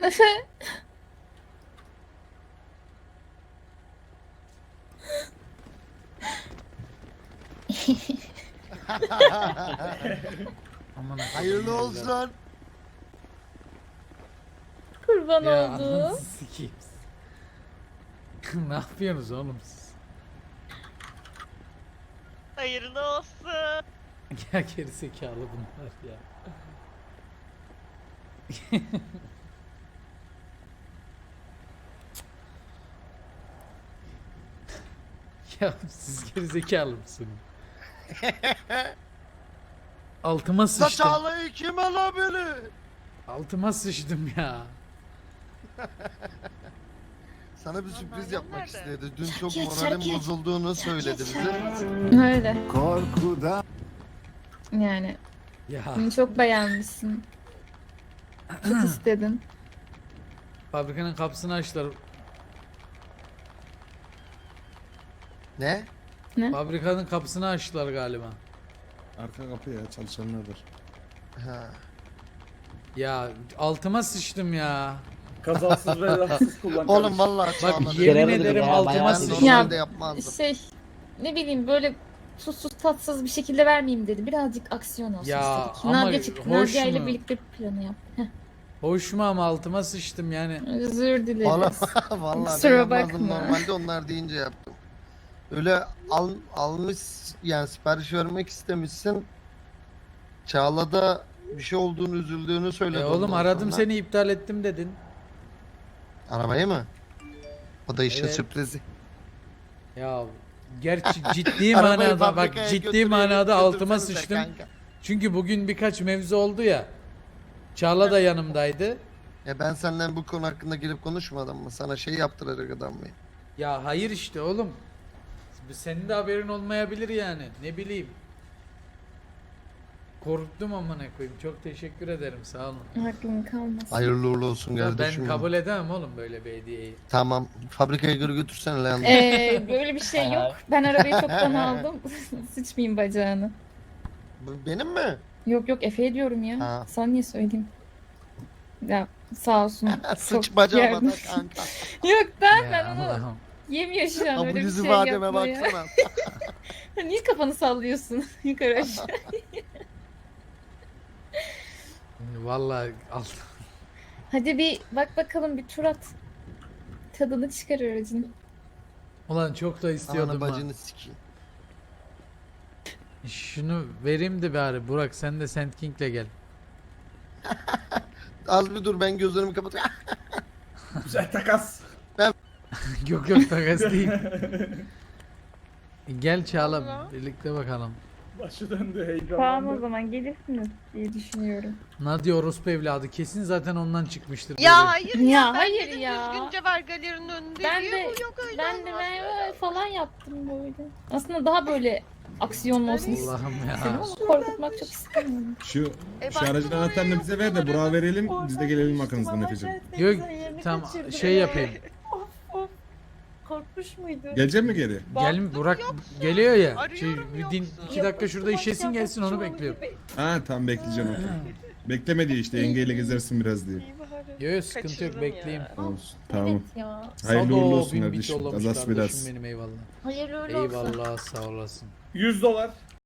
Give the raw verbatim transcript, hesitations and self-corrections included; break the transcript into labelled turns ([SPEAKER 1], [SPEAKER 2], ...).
[SPEAKER 1] Aman
[SPEAKER 2] Hayırlı olsun.
[SPEAKER 3] Kurban
[SPEAKER 1] ya,
[SPEAKER 3] oldu.
[SPEAKER 1] anasını sikeyim. Ne yapıyorsunuz oğlum siz?
[SPEAKER 4] Hayırlı olsun.
[SPEAKER 1] Ya gerizekalı bunlar ya. Ya siz gerizekalı mısınız? Altıma sıçtım.
[SPEAKER 2] Saçalayı kim alabilir?
[SPEAKER 1] Altıma sıçtım ya.
[SPEAKER 2] Sana bir sürpriz
[SPEAKER 4] Vallahi
[SPEAKER 2] yapmak
[SPEAKER 4] nerede?
[SPEAKER 2] istedi. Dün çok
[SPEAKER 3] Geç,
[SPEAKER 2] moralim
[SPEAKER 3] geç.
[SPEAKER 2] bozulduğunu söyledi bize.
[SPEAKER 3] Öyle.
[SPEAKER 5] Korkudan.
[SPEAKER 3] Yani
[SPEAKER 1] Ya
[SPEAKER 3] bunu çok beğenmişsin. Çok istedin.
[SPEAKER 1] fabrikanın kapısını açtılar.
[SPEAKER 2] Ne?
[SPEAKER 1] Fabrikanın kapısını açtılar galiba.
[SPEAKER 5] Arka kapı ya çalışanlardır.
[SPEAKER 2] Ha.
[SPEAKER 1] Ya altıma sıçtım ya.
[SPEAKER 6] Kazasız ve belasız kullan.
[SPEAKER 2] Oğlum vallahi
[SPEAKER 1] Bak
[SPEAKER 2] çağladı.
[SPEAKER 1] yemin
[SPEAKER 7] Kere
[SPEAKER 1] ederim
[SPEAKER 7] ya,
[SPEAKER 1] altıma
[SPEAKER 7] bayağı
[SPEAKER 2] Ben
[SPEAKER 1] sıçtım.
[SPEAKER 3] Ya,
[SPEAKER 2] normalde yapmazdım.
[SPEAKER 3] Şey ne bileyim böyle tuzsuz tatsız bir şekilde vermeyeyim dedi. Birazcık aksiyon olsun
[SPEAKER 1] Ya,
[SPEAKER 3] istedik.
[SPEAKER 1] ama
[SPEAKER 3] Nadia çıktı.
[SPEAKER 1] hoş
[SPEAKER 3] Nadia ile
[SPEAKER 1] mu?
[SPEAKER 3] birlikte bir planı yap. Heh,
[SPEAKER 1] Hoş mu ama altıma sıçtım yani.
[SPEAKER 3] özür dileriz.
[SPEAKER 2] Vallahi vallahi ben
[SPEAKER 3] Kusura
[SPEAKER 2] yapmazdım.
[SPEAKER 3] bakma.
[SPEAKER 2] Normalde onlar deyince yaptım. Öyle al, almış yani sipariş vermek istemişsin. Çağla'da bir şey olduğunu üzüldüğünü söyledi.
[SPEAKER 1] E oğlum
[SPEAKER 2] ondan
[SPEAKER 1] aradım
[SPEAKER 2] sonra.
[SPEAKER 1] seni iptal ettim dedin.
[SPEAKER 2] Arabayı mı? O da işin
[SPEAKER 1] Evet.
[SPEAKER 2] sürprizi.
[SPEAKER 1] Ya gerçi ciddi
[SPEAKER 2] Arabayı
[SPEAKER 1] manada bak
[SPEAKER 2] fabrikaya
[SPEAKER 1] ciddi
[SPEAKER 2] götürüyor,
[SPEAKER 1] manada altıma
[SPEAKER 2] götürsenize
[SPEAKER 1] sıçtım.
[SPEAKER 2] kanka.
[SPEAKER 1] Çünkü bugün birkaç mevzu oldu ya. Çağla da yanımdaydı.
[SPEAKER 2] Ya ben senden bu konu hakkında gelip konuşmadım mı? Sana şey yaptıracak adam mıyım?
[SPEAKER 1] Ya hayır işte oğlum. Senin de haberin olmayabilir yani. Ne bileyim. Korktum amına koyayım. Çok teşekkür ederim. Sağ olun.
[SPEAKER 3] Aklın kalmasın.
[SPEAKER 2] Hayırlı uğurlu olsun
[SPEAKER 1] Ya
[SPEAKER 2] kardeşim.
[SPEAKER 1] ben kabul edemem oğlum böyle bir hediyeyi.
[SPEAKER 2] Tamam. Fabrikaya göre götürsene lan.
[SPEAKER 3] Ee, böyle bir şey yok. Ben arabayı çoktan aldım. Sıçmayayım bacağını.
[SPEAKER 2] Bu benim mi?
[SPEAKER 3] Yok yok Efe'ye diyorum ya.
[SPEAKER 2] Ha.
[SPEAKER 3] Sana niye söyleyeyim? Ya sağ olsun.
[SPEAKER 2] Sıç
[SPEAKER 3] Çok
[SPEAKER 2] bacağıma
[SPEAKER 3] yardım-
[SPEAKER 2] da kanka.
[SPEAKER 3] Yok ben
[SPEAKER 1] Ya
[SPEAKER 3] ben onu
[SPEAKER 1] Allah'ım.
[SPEAKER 3] yemiyor şu an
[SPEAKER 2] Ha, bu
[SPEAKER 3] öyle bir
[SPEAKER 2] yüz
[SPEAKER 3] şey
[SPEAKER 2] ifademe
[SPEAKER 3] yapmıyor.
[SPEAKER 2] baksana.
[SPEAKER 3] Niye kafanı sallıyorsun yukarı aşağı?
[SPEAKER 1] Vallahi al.
[SPEAKER 3] Hadi bir bak bakalım bir tur at. Tadını çıkar aracın.
[SPEAKER 1] Ulan çok da
[SPEAKER 2] Ananı
[SPEAKER 1] istiyordum ha.
[SPEAKER 2] bacını sikeyim.
[SPEAKER 1] Şunu vereyim de bari Burak sen de Sand King'le gel.
[SPEAKER 2] Az bir dur ben gözlerimi kapatayım.
[SPEAKER 6] Güzel takas.
[SPEAKER 1] Yok yok takas değil. Gel Çağla
[SPEAKER 4] Allah.
[SPEAKER 1] birlikte bakalım.
[SPEAKER 6] Başı döndü heyecanlandı.
[SPEAKER 3] Tamam o zaman gelirsiniz diye düşünüyorum.
[SPEAKER 1] Nadia orospu evladı kesin zaten ondan çıkmıştır.
[SPEAKER 4] Ya
[SPEAKER 1] böyle.
[SPEAKER 4] hayır
[SPEAKER 3] Ya
[SPEAKER 4] ya. Ben
[SPEAKER 3] hayır
[SPEAKER 4] dedim
[SPEAKER 3] ya.
[SPEAKER 4] düzgünce ver galerinin önünde
[SPEAKER 3] Ben
[SPEAKER 4] diye.
[SPEAKER 3] de
[SPEAKER 4] Bu yok öyle
[SPEAKER 3] ben de
[SPEAKER 4] olmaz.
[SPEAKER 3] ben falan yaptım böyle. Aslında daha böyle aksiyonlu olsun istedim
[SPEAKER 1] Allah'ım ya.
[SPEAKER 3] ama korkutmak çok istemiyorum.
[SPEAKER 5] Şu
[SPEAKER 4] E,
[SPEAKER 5] şu aracın
[SPEAKER 4] baktım
[SPEAKER 5] anahtarını
[SPEAKER 4] oraya
[SPEAKER 5] bize ver de
[SPEAKER 4] yapıyorlar.
[SPEAKER 5] Burak'a verelim. Biz de gelelim arkanızdan Efe'cim.
[SPEAKER 1] Yok tam şey yapayım.
[SPEAKER 3] Korkmuş muydu?
[SPEAKER 5] Gelecek mi geri?
[SPEAKER 1] Gel Burak geliyor ya. Şey,
[SPEAKER 4] Arıyorum,
[SPEAKER 1] bir din,
[SPEAKER 4] yoksun.
[SPEAKER 1] iki dakika şurada işesin gelsin onu bekliyorum.
[SPEAKER 5] Ha tamam bekleyeceğim okey. Bekleme diye işte yengeyle gezersin biraz diye.
[SPEAKER 4] İyi bari.
[SPEAKER 1] Yok yok sıkıntı yok
[SPEAKER 4] Kaçırdım
[SPEAKER 1] bekleyeyim.
[SPEAKER 4] ya.
[SPEAKER 5] Olsun tamam.
[SPEAKER 3] Evet ya.
[SPEAKER 5] Hayırlı
[SPEAKER 1] Sado,
[SPEAKER 5] uğurlu olsun
[SPEAKER 1] bin bit
[SPEAKER 5] kardeşim.
[SPEAKER 1] yollamış
[SPEAKER 5] Kazası
[SPEAKER 1] kardeşim
[SPEAKER 5] biraz.
[SPEAKER 1] benim eyvallah.
[SPEAKER 3] Hayır öyle olsun.
[SPEAKER 1] Eyvallah sağ olasın.
[SPEAKER 6] yüz dolar.